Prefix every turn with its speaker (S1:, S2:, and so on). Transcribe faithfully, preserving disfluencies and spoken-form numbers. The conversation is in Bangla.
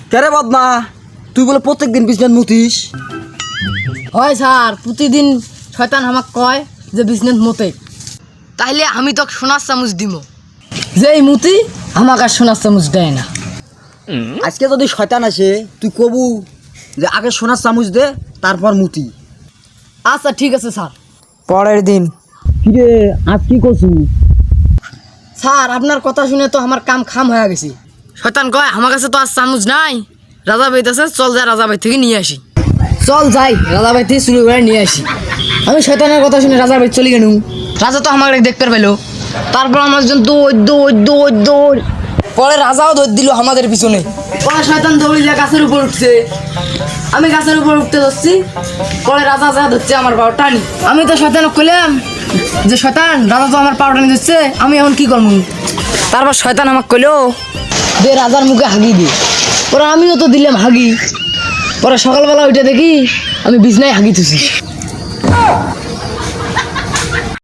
S1: কেরে বদনা তুই বলে প্রত্যেক দিন বিছনাত মুতিস?
S2: হয় স্যার, প্রতিদিন শয়তান আমাক কয় যে বিজনেস মতে, তাইলে আমি তোকে সোনার চামচ দিব, যেই মুতি আমাকে আর সোনার চামচ দেয় না।
S1: আজকে যদি শয়তান আসে তুই কবু যে আগে সোনার চামচ দে তারপর মুতি।
S2: আচ্ছা ঠিক আছে স্যার।
S3: পরের দিন
S1: কিরে আজ কি করছু?
S2: স্যার আপনার কথা শুনে তো আমার কাম খাম হয়ে গেছে। শয়তান কয় আমার কাছে তো আর চামচ নাই, রাজা ভাই আছে, চল যাই রাজা ভাই থেকে নিয়ে আসি। চল যাই রাজা ভাই থেকে চুরি করে নিয়ে আসি। আমি শয়তানের কথা শুনে রাজা ভাই চলে গেলুম। রাজা তো আমাকে দেখতে পেলো, তারপর আমার জন্য দৌড় দৌড় দৌড় দৌড়। পরে রাজাও দৌড় দিল আমাদের পিছনে। পরে শয়তান দৌড়ি যা গাছের উপর উঠছে, আমি গাছের উপর উঠতে যাচ্ছি, পরে রাজা যা ধরছে আমার পাও টানি। আমি তো শয়তানক কইলাম যে শয়তান রাজা তো আমার পাও টানি দিচ্ছে, আমি এখন কি করবো? তারপর শয়তান আমাকে কইলো দে রাজার মুখে হাগি দে। পরে আমিও তো দিলাম হাগি। পরে সকালবেলা উঠে দেখি আমি বিছনায় হাগি থুছি।